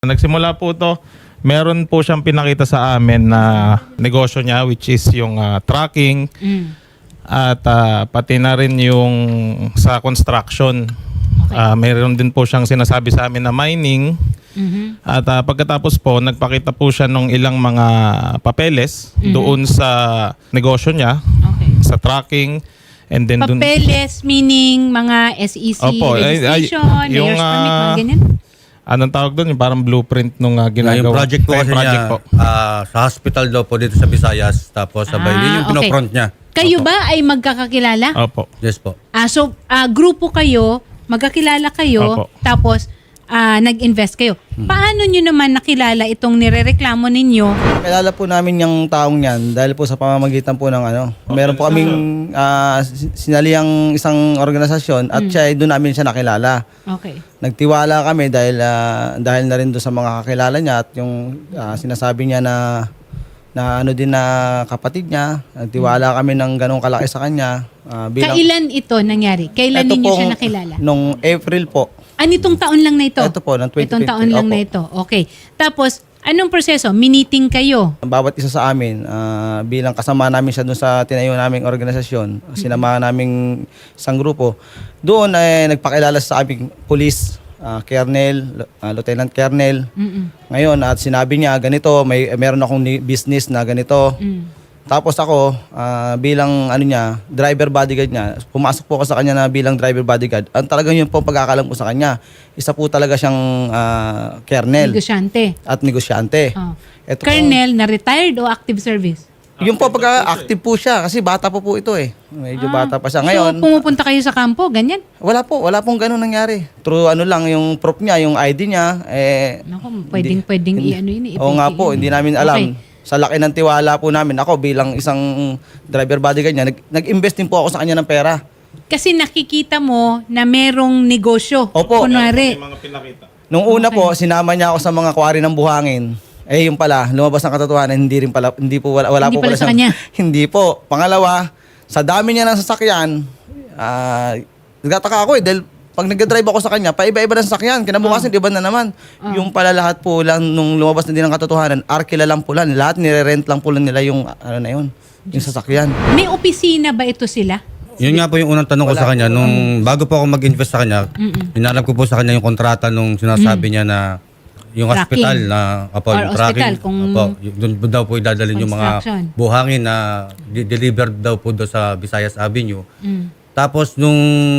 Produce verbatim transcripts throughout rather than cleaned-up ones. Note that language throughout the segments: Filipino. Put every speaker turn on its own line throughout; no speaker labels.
Nagsimula po to, meron po siyang pinakita sa amin na negosyo niya which is yung ah, trucking
Mm.
at ah, pati na rin yung sa construction.
Okay.
Ah, meron din po siyang sinasabi sa amin na mining
Mhm.
at ah, pagkatapos po nagpakita po siya ng ilang mga papeles
Mhm.
doon sa negosyo niya,
Okay.
sa trucking and then doon.
Papeles meaning mga S E C
Opo, ay- ay,
registration,
yung,
mayor's permit, mga
ah,
ganyan.
Anong tawag doon? Yung parang blueprint nung uh,
Yeah,
ginagawa.
yung project po
Ay,
kasi
project
niya,
po.
ah, sa hospital daw po dito sa Visayas. Tapos sabay,
Ah,
yun yung
okay.
pinofront niya.
Kayo
Opo.
ba ay magkakakilala?
Opo.
Yes po.
Ah, so, ah, grupo kayo, magkakilala kayo,
Opo.
tapos ah, nag-invest kayo. Paano nyo naman nakilala itong nirereklamo ninyo?
Kilala po namin yung taong yan dahil po sa pamamagitan po ng ano. Meron po kaming ah, sin- sinaliang isang organisasyon at siya ay doon namin siya nakilala.
Okay.
Nagtiwala kami dahil ah, dahil na rin doon sa mga kakilala niya at yung ah, sinasabi niya na na ano din na kapatid niya. Nagtiwala kami ng ganong kalaki sa kanya. Ah, bilang,
Kailan ito nangyari? Kailan
Ito
ninyo
pong-
siya nakilala?
Nung April po.
Ah, nitong taon lang na ito?
Ito po, ng twenty twenty.
Itong taon lang
Opo.
na ito. Okay. Tapos, anong proseso? Miniting kayo?
Bawat isa sa amin, ah, bilang kasama namin siya doon sa tinayo naming organisasyon, sinamahan naming isang grupo, doon ay nagpakilala sa aming police, ah, Colonel, ah, Lieutenant Colonel.
Mm-mm.
Ngayon, at sinabi niya, ganito, may meron akong ni- business na ganito.
Mm.
Tapos ako, ah, bilang ano niya, driver bodyguard niya, pumasok po ako sa kanya na bilang driver bodyguard. Ang talagang yun po ang pagkakalam ko sa kanya. Isa po talaga siyang ah, Colonel
Negosyante.
at negosyante.
Oh.
Ito po-
Colonel na retired o active service?
Yung po pagka-active po siya kasi bata po po ito eh. Medyo
Ah,
bata pa siya. Ngayon,
So, pumupunta kayo sa kampo, ganyan?
wala po, wala pong ganun nangyari. True ano lang yung proof niya, yung I D niya eh
Naku, pwedeng, pwedeng i-ano yun. i-
Oo nga po,
i-
hindi namin alam.
Okay.
Sa laki ng tiwala po namin, ako bilang isang driver bodyguard niya, nag, nag-invest din po ako sa kanya ng pera.
Kasi nakikita mo na merong negosyo.
Opo.
Kunwari,
Mga pinakita.
Nung una po, sinama niya ako sa mga quarry ng buhangin. Eh yung pala, lumabas ang katotohanan, hindi rin pala, hindi po, wala, wala
Hindi
po
pala sa
siyang-
kanya.
Hindi po. Pangalawa, sa dami niya ng sasakyan, ah, nagtataka ako eh, dahil pag nag-drive ako sa kanya, paiba-iba ng sasakyan. Kinabukasan, iba na naman. Yung pala lahat po lang, nung lumabas na din ang katotohanan, arkila lang po lang. Lahat nire-rent lang po lang nila yung, ano na yun, yung sasakyan.
may opisina ba ito sila?
Yun nga po yung unang tanong ko sa kanya. Nung bago po ako mag-invest sa kanya, inalap ko po sa kanya yung kontrata nung sinasabi niya na yung
Tracking.
hospital na apo,
Or
yung
hospital,
tracking.
kung-
Apo, y- doon po daw po idadalhin yung mga
Construction.
buhangin na di- delivered daw po doon sa Visayas Avenue.
Mm.
Tapos nung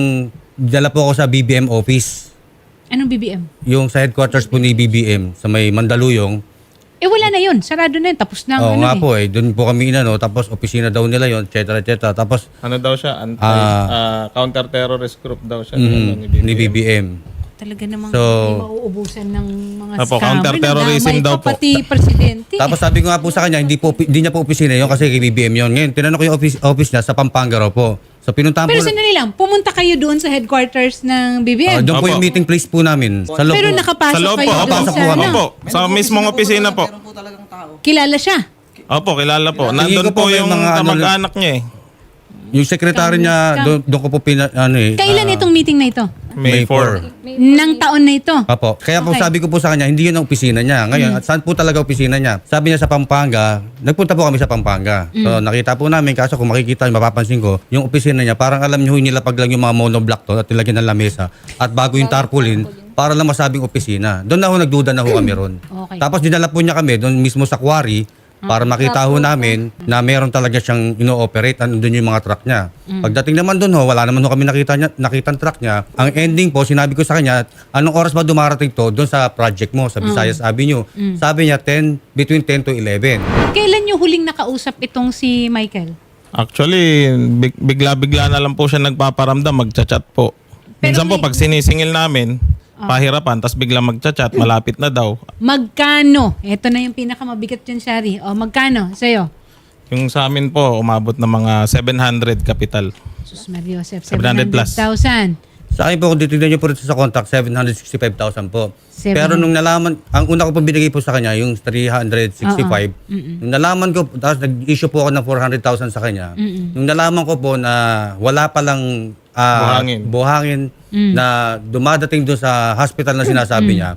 dala po ako sa B B M office,
Anong B B M?
yung sa headquarters po ni B B M sa may Mandaluyong.
Eh wala na yun. Sarado na yun. Tapos na.
Oo
ano
nga
eh.
po eh, doon po kami inano, tapos opisina daw nila yon, et cetera, et cetera. Tapos
Ano daw siya? Anti,
Ah.
ah, counter-terrorist group daw siya.
mm,
Ano,
ni B B M.
Talaga namang
So-
hindi mauubusan ng mga
Opo,
scammer.
counter-terrorism
Nadamay
daw
pa
po.
Pati presidente.
Tapos sabi ko nga po sa kanya, hindi po hindi niya po opisina yon kasi kay B B M yon. Ngayon, tinanong ko yung office, office niya sa Pampanga raw po. So pinuntahan
Pero
po.
sandali lang, pumunta kayo doon sa headquarters ng B B M.
Ah, doon po
Opo.
yung meeting place po namin. Sa loob
Pero
po.
nakapasok
Sa loob
kayo
po,
doon
papasok
sa
po kami.
ano.
Opo, sa mismong opisina po.
Meron po talagang tao.
Kilala siya.
Opo, kilala po.
Tingin
Nandun
ko po
po
may
yung
mga ano-
kamag-anak niya eh.
Yung sekretary niya, doon, doon ko po pina, ano eh.
Kailan
ah,
itong meeting na ito?
May four.
Nang taon na ito?
Apo. Kaya po
Okay.
sabi ko po sa kanya, hindi yun ang opisina niya. Ngayon, at saan po talaga opisina niya? Sabi niya sa Pampanga, nagpunta po kami sa Pampanga. So nakita po namin, kaso kung makikita, mapapansin ko, yung opisina niya, parang alam niyo, nilapag lang yung mga monoblock to at nilagyan ng lamesa. At bago yung tarpaulin, para lang masabing opisina. Doon na ho, nagduda na ho kami ron.
Okay.
Tapos dinala po niya kami doon mismo sa quarry para makita ho namin na meron talaga siyang ino-operate, andun yung mga truck niya. Pagdating naman doon ho, wala naman ho kami nakita niya, nakitang truck niya. Ang ending po, sinabi ko sa kanya, anong oras ba dumarating to doon sa project mo, sa Visayas Avenue? Sabi niya, ten, between ten to eleven.
Kailan nyo huling nakausap itong si Michael?
Actually, big- bigla-bigla na lang po siya nagpaparamdam, magchat-chat po. Minsan po,
may-
pag sinisingil namin, pahirapan, tapos bigla magchat-chat, malapit na daw.
Magkano? Ito na yung pinakamabigat dyan, Shari. O, magkano sa'yo?
Yung sa amin po, umabot na mga seven hundred capital.
Sus Maria Joseph,
seven hundred plus.
seven hundred thousand.
Sa akin po, kung titignan niyo po rito sa contact, seven hundred sixty-five thousand po.
Seven-
Pero nung nalaman, ang una ko po binigay po sa kanya, yung three hundred sixty-five. Nung nalaman ko, tapos nag-issue po ako ng four hundred thousand sa kanya. Nung nalaman ko po na wala palang ah,
Buhangin.
buhangin na dumadating doon sa hospital na sinasabi niya,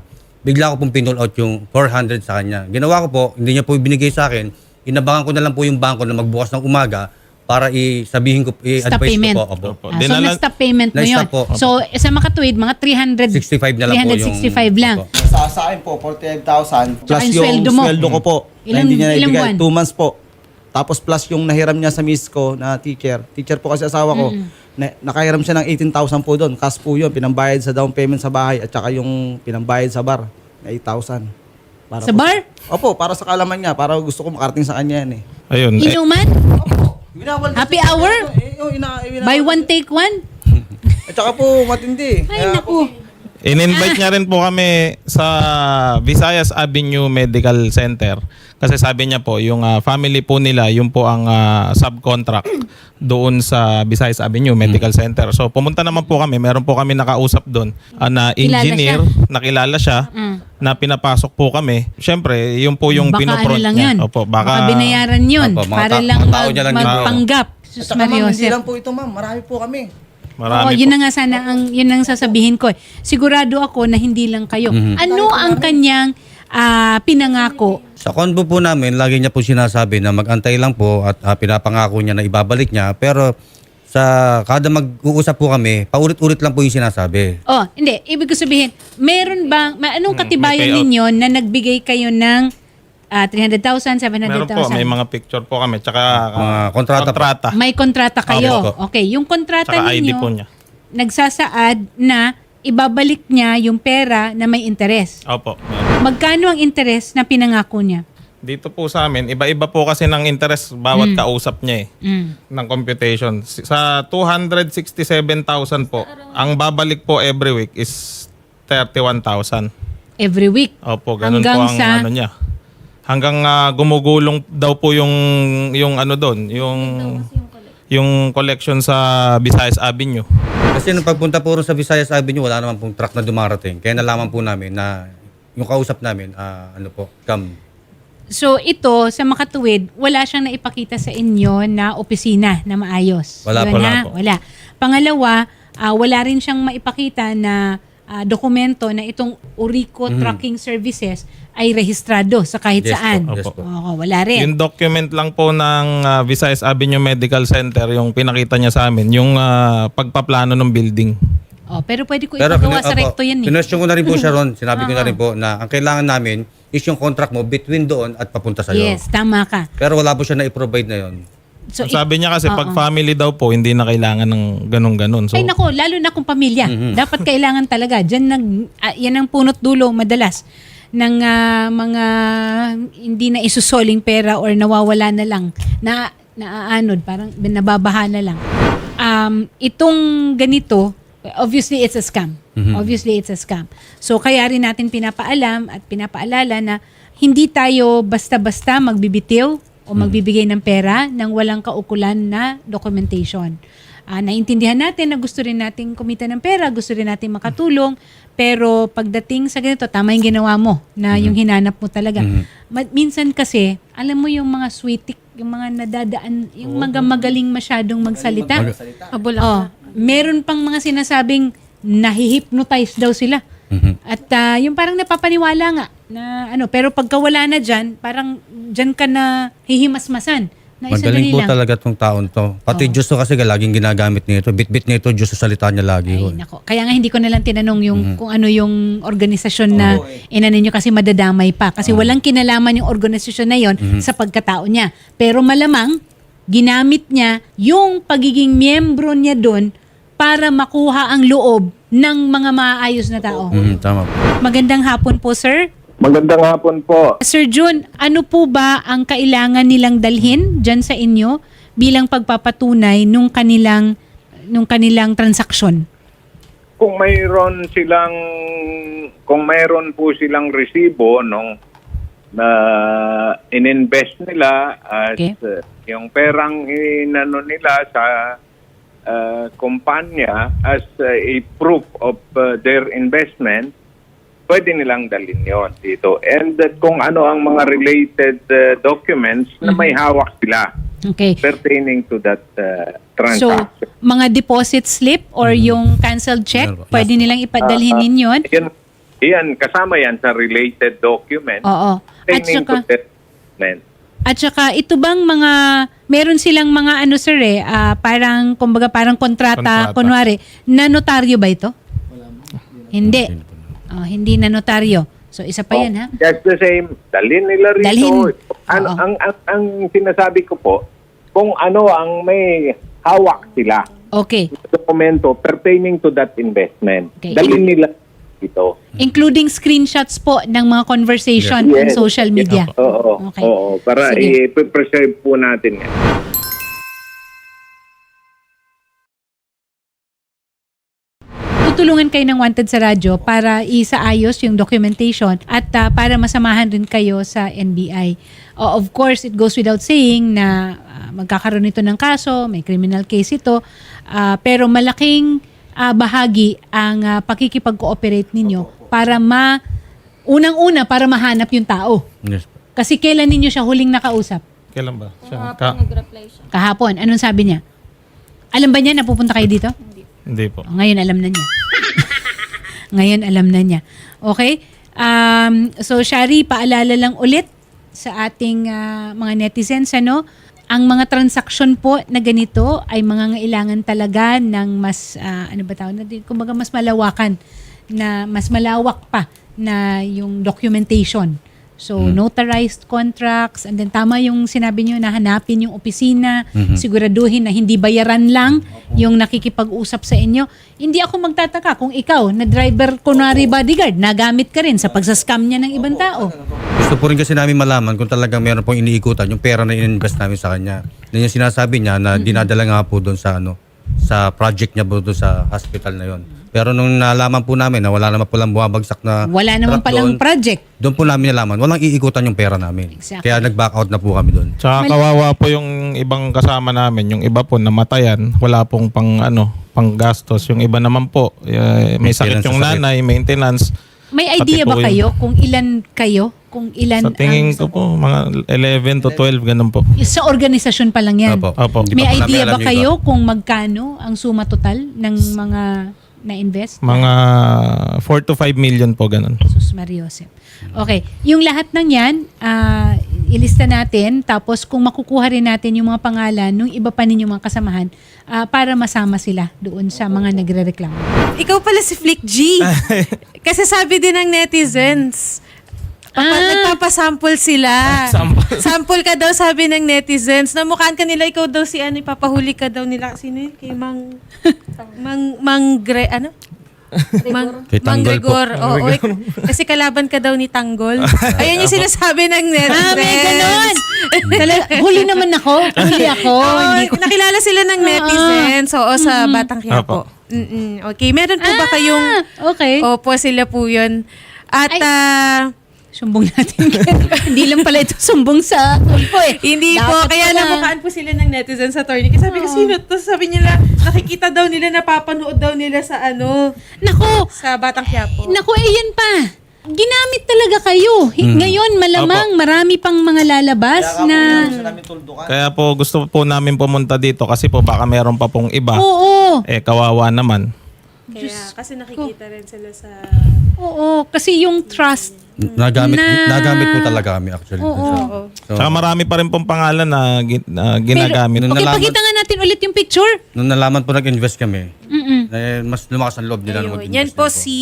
bigla ko pong pinull out yung four hundred sa kanya. Ginawa ko po, hindi niya po ibinigay sa akin. Inabangan ko na lang po yung bangko na magbukas ng umaga para isabihin ko,
Stop
i-advise
payment.
ko po. Opo.
Opo.
Ah, so,
Dinala-
na-stop payment mo yun.
Na-stop po.
So, sa makatuwid, mga three hundred
sixty-five na lang po yung...
three sixty-five lang.
Opo.
Sa, sa akin po, forty-five thousand.
Tsaka
Plus
yung
yung
sweldo mo.
sweldo ko po. na
Ilang-
hindi niya
ilang
naibigay.
buwan?
Two months po. Tapos plus yung nahiram niya sa miss ko na teacher. Teacher po kasi asawa ko. Na, nakahiram siya ng eighteen thousand po doon. Cash po yun. Pinambayad sa down payment sa bahay at saka yung pinambayad sa bar na eight thousand. Para
Sa
po-
bar?
Opo, para sa kalaman niya. Para gusto ko makarating sa kanya yan eh.
Ayun. Eh,
Inuman?
Winawal-
Happy hour?
Eh, oh, ina, winawal-
Buy one, take one?
At saka po, matindi.
Ay,
Kaya
naku.
in-invite niya rin po kami sa Visayas Avenue Medical Center. Kasi sabi niya po, yung ah, family po nila, yung po ang ah, subcontract doon sa Visayas Avenue Medical Center. So pumunta naman po kami, meron po kami nakausap doon ah, na
Kilala
engineer, nakilala siya,
Mm.
na pinapasok po kami. Siyempre, yun po yung
Baka
pinopront
ano lang
niya.
yun.
Opo,
baka,
baka,
binayaran yun.
Opo, mga
para
ta-
lang
mga tao
mag,
niya lang yun.
magpanggap.
At
Sus
saka ma'am,
Mario
hindi
Joseph.
lang po ito ma'am. Marami po kami.
marami
Oo,
po.
yun na nga sana ang yun ang sasabihin ko. eh. Sigurado ako na hindi lang kayo.
Mhm.
Ano ang kanyang ah, pinangako?
Sa konbo po namin, lagi niya po sinasabi na mag-antay lang po at ah, pinapangako niya na ibabalik niya. Pero sa kada mag-uusap po kami, paulit-ulit lang po yung sinasabi.
Oh, hindi. Ibig ko sabihin, meron bang, ma- anong
Hmm,
katibayan
may payout.
ninyo na nagbigay kayo ng ah, three hundred thousand,
Meron po, may
seven hundred thousand?
mga picture po kami. Tsaka
Mga kontrata po.
kontrata.
May kontrata kayo.
Opo.
Okay, yung kontrata
Tsaka I D
ninyo,
po niya.
nagsasaad na ibabalik niya yung pera na may interest.
Opo. meron.
Magkano ang interest na pinangako niya?
Dito po sa amin, iba-iba po kasi ng interest bawat kausap niya eh.
Mm.
Ng computation. Si- Sa two hundred sixty-seven thousand po, ang babalik po every week is thirty-one thousand.
Every week.
Opo, ganun
Hanggang
po ang
sa-
ano niya. Hanggang ah, gumugulong daw po yung yung ano doon, yung yung collection sa Visayas Avenue.
Kasi nung pagpunta po rin sa Visayas Avenue, wala naman pong truck na dumarating. Kaya nalaman po namin na yung kausap namin, ah, ano po, cam.
So ito, sa makatuwid, wala siyang naipakita sa inyo na opisina na maayos.
Wala
Yun
po,
na,
wala po.
Wala. Pangalawa, ah, wala rin siyang maipakita na ah, dokumento na itong Urico Trucking Services ay rehistrado sa kahit
Yes po,
saan.
yes po.
Oo, wala rin.
Yung document lang po ng ah, Visayas Avenue Medical Center, yung pinakita niya sa amin, yung ah, pagpaplano ng building.
Oh, pero pwede ko
Pero
ipagawa
kinu-
sa
opo,
recto yan eh.
kinwestiyon ko na rin po siya ron. Sinabi ko na rin po na ang kailangan namin is yung contract mo between doon at papunta sa'yo.
Yes, tama ka.
Pero wala po siya na-provide na yon.
So,
Ang sabi niya kasi,
Oo.
pag family daw po, hindi na kailangan ng ganun-ganun. So,
Ay nako, lalo na kung pamilya. Dapat kailangan talaga. Diyan nag, ah, yan ang punot dulo madalas ng ah, mga hindi na isusoling pera or nawawala na lang, na naaanod, parang nababaha na lang. Um, itong ganito, obviously it's a scam. Obviously it's a scam. So kaya rin natin pinapaalam at pinapaalala na hindi tayo basta-basta magbibitiw o magbibigay ng pera nang walang kaukulan na documentation. Ah, naintindihan natin na gusto rin nating kumita ng pera, gusto rin nating makatulong, pero pagdating sa ganito, tama yung ginawa mo, na yung hinanap mo talaga. Ma- minsan kasi, alam mo yung mga sweetik, yung mga nadadaan, yung mga magaling masyadong magsalita. Oh, meron pang mga sinasabing nahihypnotize daw sila. At ah, yung parang napapaniwala nga na ano, pero pagka wala na dyan, parang dyan ka na hihimasmasan. Na isa
Magaling po
lang.
talaga tong taon to. Pati Diyos to kasi laging ginagamit nito. Bit-bit nito Diyos sa salita niya lagi.
Ay,
ho.
nako. Kaya nga hindi ko na lang tinanong yung kung ano yung organisasyon na
Oo, eh.
inano nyo kasi madadamay pa. Kasi walang kinalaman yung organisasyon na yon sa pagkatao niya. Pero malamang, ginamit niya yung pagiging miyembro niya doon para makuha ang loob ng mga maayos na tao.
Mhm, tama po.
Magandang hapon po, sir.
Magandang hapon po.
Sir Jun, ano po ba ang kailangan nilang dalhin dyan sa inyo bilang pagpapatunay nung kanilang nung kanilang transaksyon?
Kung mayroon silang kung mayroon po silang resibo nung na ininvest nila at
Okay.
uh, yung perang inano nila sa uh, kumpanya as uh, a proof of uh, their investment, pwede nilang dalhin yon dito. And that kung ano ang mga related uh, documents na may hawak sila
Okay.
pertaining to that uh,
So,
transaction.
mga deposit slip or yung canceled check,
Meron po.
pwede nilang ipadalhin ninyo.
Yun, Yan, kasama yan sa related document.
Oo. At
Pertaining
saka,
to the investment.
at saka ito bang mga, meron silang mga ano sir eh, ah, parang, kumbaga parang kontrata,
Kontrata.
kunwari, na notaryo ba ito? Hindi. Oh, hindi na notaryo. So isa pa yan ha?
Just the same, dalhin nila rito.
Dalhin.
Ang,
Oo.
ang, ang, ang sinasabi ko po, kung ano ang may hawak sila,
Okay.
dokumento pertaining to that investment,
Okay.
dalhin nila dito.
Including screenshots po ng mga conversation on
Yes.
social media.
Oo,
Okay.
oo, para
Sige.
i-preserve po natin yan.
Tutulungan kayo ng Wanted sa radyo para isaayos yung documentation at ah, para masamahan rin kayo sa N B I. O, of course, it goes without saying na ah, magkakaroon ito ng kaso, may criminal case ito, ah, pero malaking ah, bahagi ang ah, pakikipag-cooperate ninyo para ma, unang-una, para mahanap yung tao.
Yes po.
Kasi kailan ninyo siya huling nakausap?
Kailan ba? Siya,
Kahapon
ka-
nag-reply siya.
Kahapon. Anong sabi niya? Alam ba niya na pupunta kayo dito?
Hindi po.
O, ngayon alam na niya. Ngayon alam na niya. Okay? Um, so, Shari, paalala lang ulit sa ating ah, mga netizens, ano? Ang mga transaksyon po na ganito ay mga ngailangan talaga ng mas, ah, ano ba tawag natin? Kumbaga mas malawakan, na mas malawak pa na yung documentation. So, notarized contracts, and then tama yung sinabi nyo na hanapin yung opisina, siguraduhin na hindi bayaran lang yung nakikipag-usap sa inyo. Hindi ako magtataka kung ikaw, na driver, kunwari bodyguard, nagamit ka rin sa pagsascam niya ng ibang tao.
Gusto po rin kasi namin malaman kung talagang meron pong iniikutan yung pera na in-invest namin sa kanya. Yan yung sinasabi niya na dinadala nga po doon sa ano sa project niya po doon sa hospital na yon. Pero nung nalaman po namin na wala naman po lang bumabagsak na
Wala naman
truck
palang
doon,
project.
doon po namin nalaman, walang iikutan yung pera namin.
Exactly.
Kaya nag-back out na po kami doon.
Tsaka kawawa po yung ibang kasama namin. Yung iba po namatayan. Wala pong pang ano, pang gastos. Yung iba naman po, eh, may sakit
Maintenance
yung
sa sakit.
nanay, maintenance.
May
Pati
idea ba
po yung-
kayo kung ilan kayo? Kung ilan
Sa tingin
ang-
ko po, mga eleven to twelve, ganun po.
sa organisasyon pa lang yan?
Opo.
Opo.
Hindi
May
pa po namin
idea
alam
ba
yung iba.
kayo kung magkano ang suma total ng mga na-invest?
Mga four to five million po, ganun.
Jesus Mariosep. Okay. Yung lahat ng yan, ah, ilista natin. Tapos kung makukuha rin natin yung mga pangalan ng iba pa ninyong mga kasamahan ah, para masama sila doon sa mga nagre-reklamo.
Ikaw pala si Flick G. Kasi sabi din ng netizens, papa,
Ah.
nagpapasample sila.
Sample.
Sample ka daw sabi ng netizens. Namukhaan ka nila, ikaw daw si ano, ipapahuli ka daw nila. Sino yun? Kay Mang... Mang... Mang... Gre... Ano? Mang,
Kay
Mang
Tanggol po.
Gregor. Oo, eh, kasi kalaban ka daw ni Tanggol. Ayan yung sinasabi ng netizens.
Ah, may ganon! Tala- huli naman ako. Huli ako.
Oo,
Hindi ko-
nakilala sila ng netizens. Oo, sa Batang Quiapo. Mm-mm. Okay, meron po ba kayong...
Ah, okay.
Opo, sila po yun. At...
Ay.
ah,
Sumbong natin. Hindi lang pala ito sumbong sa tulpo eh.
Hindi po,
Dapat
kaya
pala.
namukhaan po sila ng netizens sa attorney. Kasi sabi ko, sino to? Sabi nila, nakikita daw nila, napapanood daw nila sa ano,
Nako,
sa Batang Quiapo.
Naku, eh yan pa. Ginamit talaga kayo. Hi- Ngayon, malamang marami pang mga lalabas na...
Kaya po gusto po namin pumunta dito kasi po baka meron pa pong iba.
Oo.
Eh, kawawa naman.
Kaya, kasi nakikita rin sila sa...
Oo. Kasi yung trust.
Nagamit,
Na-
nagamit po talaga kami actually.
Oo.
So,
Tsaka marami pa rin pong pangalan na, gi- na ginagamit.
Pero,
Nung
okay,
nalaman-
pakita nga natin ulit yung picture.
nung nalaman po nag-invest kami,
Mm-mm.
eh, mas lumakas ang loob nila na
Ayun.
mag-invest.
Yan po
din
si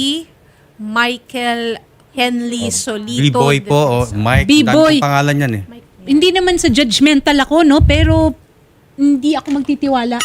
Michael Henley Solito.
B-boy po, oh, Mike.
B-boy.
Dami pong pangalan yan eh.
Hindi naman sa judgmental ako, no? Pero hindi ako magtitiwala.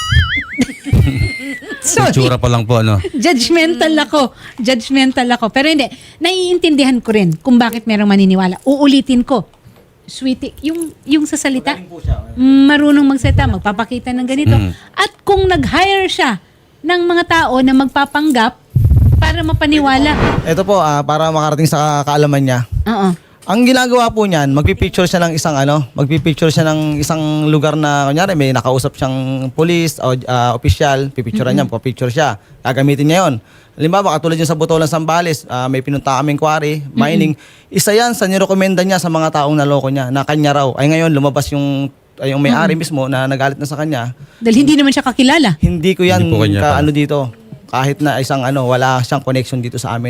Sorry.
Itsura pa lang po, ano.
Judgmental ako. Judgmental ako. Pero hindi, naiintindihan ko rin kung bakit merong maniniwala. Uulitin ko. Sweetie, yung, yung sa salita, mm, marunong magsalita, magpapakita ng ganito.
Mm.
At kung nag-hire siya ng mga tao na magpapanggap para mapaniwala.
Ito po, ah, para makarating sa kaalaman niya.
Oo.
Ang ginagawa po niyan, magpipicture siya ng isang ano, magpipicture siya ng isang lugar na kunyari may nakausap siyang police o ah, opisyal, pipicturean niya, papicture siya. Gagamitin niya 'yon. Halimbawa, katulad yung sa Botolan Sambales, ah, may pinunta kaming quarry, mining. Isa 'yan sa nirekomenda niya sa mga taong naloko niya na kanya raw. Ay ngayon lumabas yung ay, yung may-ari mismo na nagalit na sa kanya.
Dahil hindi naman siya kakilala.
Hindi ko yan
Hindi po kanya
ka,
pala.
ano dito. Kahit na isang ano, wala siyang connection dito sa amin.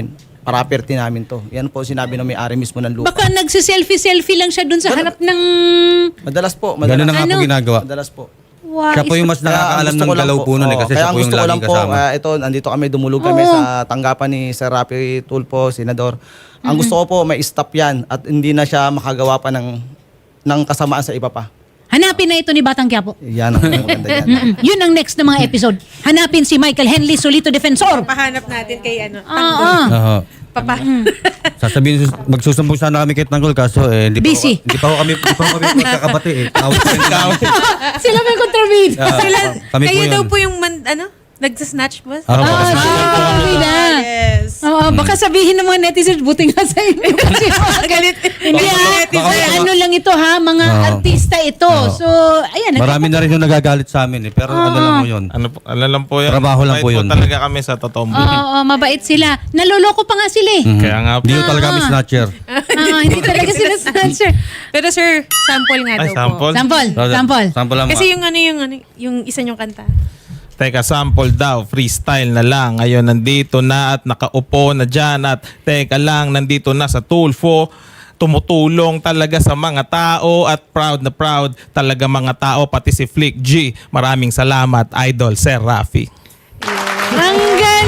property namin to. Yan po sinabi ng may-ari mismo ng lupa.
Baka nagsiselfie-selfie lang siya dun sa harap ng...
Madalas po, madalas.
Ganun na nga po
Ano?
ginagawa.
Madalas po.
Wow,
Siya po yung mas
Kaya ang
nakakaalam
gusto
ng
ko lang
galaw po nun eh,
oo,
kasi
kaya
siya
ang
po yung
gusto ko lang
laging
po,
kasama.
ah, ito, andito kami, dumulog kami
Oo.
sa tanggapan ni Sir Rafi Tulfo, Senador. Ang gusto ko po, may stop yan at hindi na siya makagawa pa ng, ng kasamaan sa iba pa.
hanapin na ito ni Batang Quiapo.
Yan ang maganda yan.
Mm-mm. Yun ang next na mga episode. Hanapin si Michael Henley Solito Defensor.
Pahanap natin kay ano.
Ah, ah.
Oo.
Papa.
Sasabihin, sus- magsusumbong sana kami kay Tanggol kaso eh, hindi pa,
Busy.
Ako, hindi pa ako kami, hindi pa ako kami magkakabati eh. Tawag pa rin kami.
Sila may kontrabid.
Ah,
Sila,
kami po
kayo
yun.
daw po yung man, ano? Nagsa-snatch ba?
Ako po.
Ah,
kasi-
sila po kami na.
Yes.
Oo, baka sabihin ng mga netizens, buti nga sa inyo. Kasi
Galit.
hindi
Baka-
ah,
baka-
ay, ano lang ito ha, mga
Oo.
artista ito.
Oo.
So, ayan.
Marami na rin yung nagagalit sa amin eh. Pero ano lang mo yun.
Ano po, ano lang po yun.
Trabaho lang
Mabait
po yun.
talaga kami sa totoong
Oo,
buhay.
oo, mabait sila. Naloloko pa nga sila eh.
Mhm.
Kaya nga po.
Hindi ko talaga kami snatcher.
Ah, hindi talaga sila snatcher.
Pero sir, sample nga
Ay,
daw
sample?
po.
Sample, sample.
Sample lang.
Kasi yung ano yung ano, yung isa niyong kanta.
Teka, sample daw, freestyle na lang. Ngayon, nandito na at nakaupo na dyan at teka lang, nandito na sa Tulfo. Tumutulong talaga sa mga tao at proud na proud talaga mga tao, pati si Flick G. Maraming salamat, Idol Sir Rafi.
Ang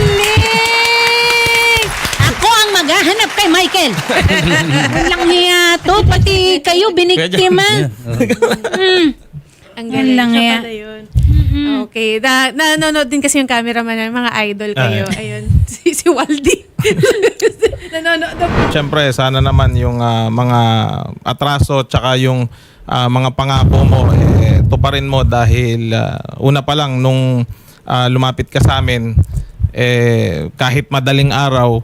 galing! Ako ang maghahanap kay Michael. Walang hiya to. Pati kayo biniktima. Mm.
Ang
Yan
galing
lang
siya
yan.
pala yun. Okay. Na, nanonood din kasi yung cameraman namin, mga idol kayo. Ayun. Si, si Waldy. nanonood.
Siyempre, sana naman yung ah, mga atraso tsaka yung ah, mga pangako mo, eh, tuparin mo dahil ah, una pa lang nung ah, lumapit ka sa amin, eh, kahit madaling araw,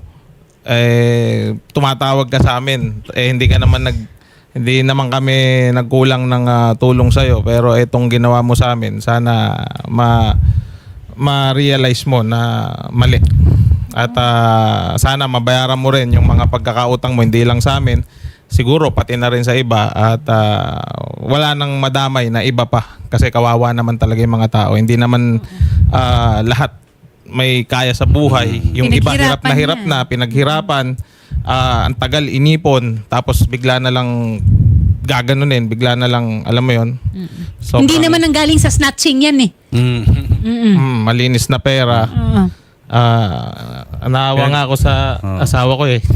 eh, tumatawag ka sa amin. Eh, hindi ka naman nag hindi naman kami nagkulang ng ah, tulong sa iyo, pero itong ginawa mo sa amin, sana ma ma-realize mo na mali. At ah, sana mabayaran mo rin yung mga pagkakautang mo, hindi lang sa amin, siguro pati na rin sa iba. At ah, wala nang madamay na iba pa kasi kawawa naman talaga yung mga tao. Hindi naman ah, lahat may kaya sa buhay. Yung iba hirap na
Pinaghirapan
hirap
yan.
na, pinaghirapan, ah, ang tagal inipon, tapos bigla na lang gaganunin, bigla na lang, alam mo yon. So,
Hindi naman ang galing sa snatching yan eh.
Mm.
Mm-mm.
malinis na pera.
Oo.
Ah, naawa nga ako sa
Oo.
asawa ko eh.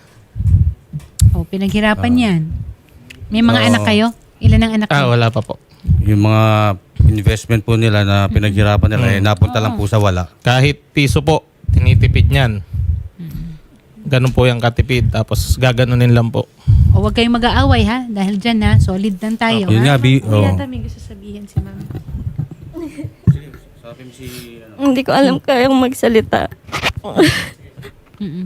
Oh, pinaghirapan yan. May mga
Oo.
anak kayo? Ilan ang anak
Ah,
kayo?
wala pa po.
Yung mga investment po nila na pinaghirapan nila eh, napunta lang po sa wala.
Kahit piso po, tinitipid niyan. Ganun po yung katipid. Tapos gaganunin lang po.
O huwag kayong mag-aaway ha. Dahil dyan ha, solid lang tayo.
Yun
ha?
nga, bi-
Oh.
oh.
Yata may gusto sabihin si ma'am.
Hindi ko alam kayang magsalita.
Mm-mm.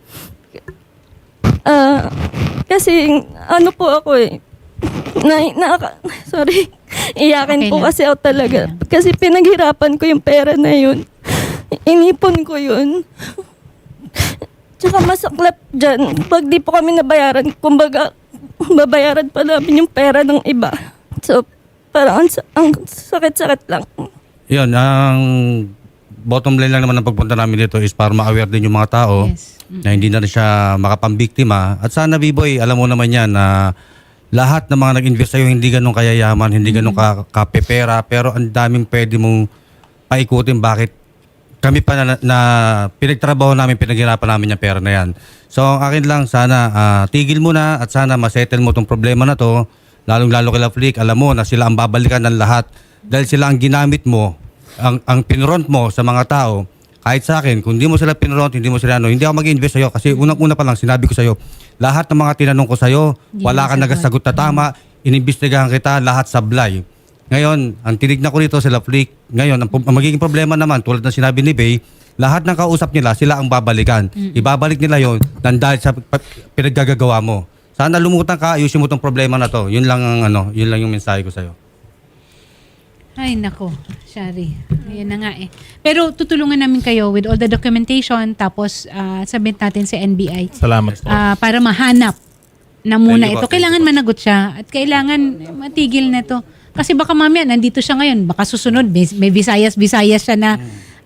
Ah, kasi ano po ako eh. Na, na, sorry. Iyakin
Okay
po
lang.
kasi ako talaga. Kasi pinaghirapan ko yung pera na yun. Inipon ko yun. Tsaka masaklap dyan. Pag di po kami nabayaran, kumbaga, babayaran pa namin yung pera ng iba. So, parang ang, sa- ang sakit-sakit lang.
Yun, ang bottom line lang naman ng pagpunta namin dito is para ma-aware din yung mga tao
Yes.
na hindi na rin siya makapambiktima. At sana, B-Boy, alam mo naman yan na lahat ng mga nag-invest sa'yo hindi ganun kayayaman, hindi ganun ka kapepera, pero ang daming pwede mong paikutin bakit kami pa na, na pinagtrabaho namin, pinaghirapan namin yung pera na yan. So, ang akin lang, sana ah, tigil mo na at sana masettle mo tong problema na to. Lalong-lalo kila Flick, alam mo na sila ang babalikan ng lahat dahil sila ang ginamit mo, ang, ang pinront mo sa mga tao. Kahit sa akin, kung hindi mo sila pinront, hindi mo sila ano, hindi ako mag-invest sa'yo kasi unang-una pa lang sinabi ko sa'yo, lahat ng mga tinanong ko sa'yo,
Hindi
wala
mo
kang
sagot.
nagasagot na tama, inimbestigahan kita, lahat sablay. Ngayon, ang tinignan ko dito sila Flick, ngayon, ang, ang magiging problema naman, tulad ng sinabi ni Bay, lahat ng kausap nila, sila ang babalikan. Ibabalik nila yon nang dahil sa pa- pinaggagawa mo. Sana lumutan ka, ayusin mo tong problema na to. Yun lang ang ano, yun lang yung mensahe ko sa'yo.
Ay, nako. Shari. Ayan na nga eh. Pero tutulungan namin kayo with all the documentation tapos uh, submit natin sa N B I
Salamat po.
ah, para mahanap na muna
Thank you
ito.
po, thank
Kailangan
you po.
managot siya at kailangan matigil na to. Kasi baka mamaya nandito siya ngayon, baka susunod may, may Visayas Visayas siya na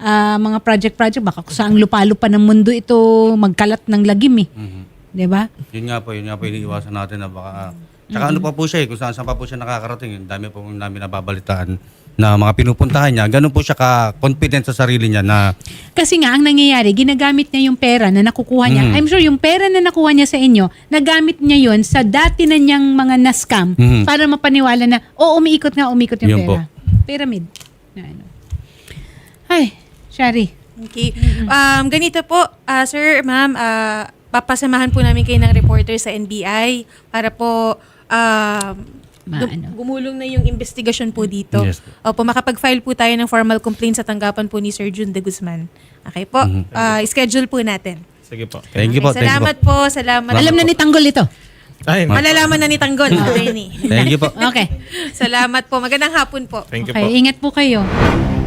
ah, mga project-project, baka kung saang lupa-lupa ng mundo ito magkalat ng lagim eh.
Mhm.
'Di ba?
Yun nga po, yun nga po iniiwasan natin na baka... Tsaka ano pa po siya eh, kung saan saan pa po siya nakakarating. Ang dami po namin nababalitaan na mga pinupuntahan niya. Ganun po siya ka-confident sa sarili niya na
Kasi nga, ang nangyayari, ginagamit niya yung pera na nakukuha niya.
Mhm.
I'm sure yung pera na nakuha niya sa inyo, nagamit niya yon sa dati na niyang mga na-scam
Mhm.
para mapaniwala na, oh, umiikot nga, umiikot yung
Yun po.
pera. Pyramid. Na ano. Ay, Shari.
Okay. Um, ganito po, ah, sir, ma'am, ah, papasamahan po namin kayo ng reporter sa N B I para po um,
Ma-
gum-
ano?
gumulong na yung investigasyon po dito.
Yes po.
Opo, makapag-file po tayo ng formal complaint sa tanggapan po ni Sir Jun de Guzman. Okay po? Ah, schedule po natin.
Sige po.
thank you po,
Okay,
thank you po.
salamat po. Salamat.
Alam na ni Tanggol ito.
Ay,
Malalaman na ni Tanggol, attorney.
Thank you po.
Okay.
Salamat po. Magandang hapon po.
thank you
Okay,
po.
ingat po kayo.